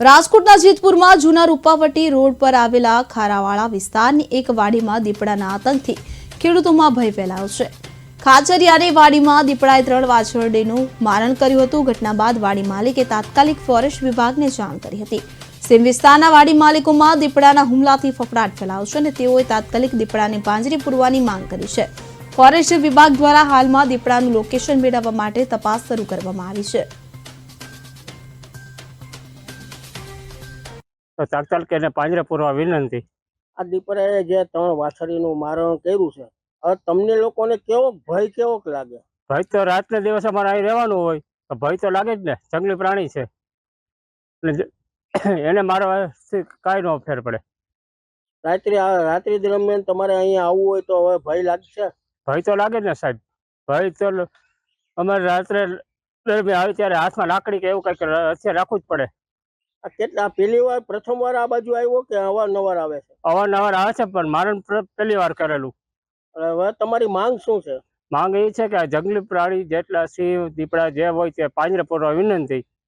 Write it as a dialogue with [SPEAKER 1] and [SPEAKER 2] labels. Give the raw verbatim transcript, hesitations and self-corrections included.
[SPEAKER 1] રાજકોટના જેતપુરમાં જૂના રૂપાવટી રોડ પર આવેલા ખારાવાળા વિસ્તારની એક વાડીમાં દીપડાના આતંકથી ખેડૂતોમાં ભય ફેલાયો છે। ખાચરિયાની વાડીમાં દીપડાએ ત્રણ વાછરડીનું મારણ કર્યું હતું। ઘટના બાદ વાડી માલિકે તાત્કાલિક ફોરેસ્ટ વિભાગને જાણ કરી હતી। સીમ વિસ્તારના વાડી માલિકોમાં દીપડાના હુમલાથી ફફડાટ ફેલાયો છે અને તેઓએ તાત્કાલિક દીપડાને પાંજરે પૂરવાની માંગ કરી છે। ફોરેસ્ટ વિભાગ દ્વારા હાલમાં દીપડાનું લોકેશન મેળવવા માટે તપાસ શરૂ કરવામાં આવી છે।
[SPEAKER 2] તો તાત્કાલિક એને પાંજરે પૂરવા વિનંતી।
[SPEAKER 3] આ દીપડાએ જે ત્રણ વાછરીનું મારણ કર્યું છે, હવે તમને લોકોને કેવો ભય કેવો લાગે?
[SPEAKER 2] ભય તો રાતને દિવસે અમારે અહીં રહેવાનું હોય તો ભય તો લાગે જ ને। જંગલી પ્રાણી છે એટલે એને મારવાથી કાંઈ ન ફેર પડે।
[SPEAKER 3] રાત્રે રાત્રિ દરમિયાન તમારે અહીંયા આવવું હોય તો હવે ભય લાગશે?
[SPEAKER 2] ભય તો લાગે જ ને સાહેબ। ભય તો અમારે રાત્રે દરમિયાન આવે ત્યારે હાથમાં લાકડી કે એવું કંઈક હથિયાર રાખવું જ પડે।
[SPEAKER 3] આ કેટલા પહેલી વાર પ્રથમ વાર આ બાજુ આવ્યો કે અવારનવાર આવે છે?
[SPEAKER 2] અવારનવાર આવે છે પણ મારણ પહેલી વાર કરેલું।
[SPEAKER 3] હવે તમારી માંગ શું છે?
[SPEAKER 2] માંગ એ છે કે આ જંગલી પ્રાણી જેટલા સિંહ દીપડા જે હોય તે પાંજરે પૂરવા વિનંતી।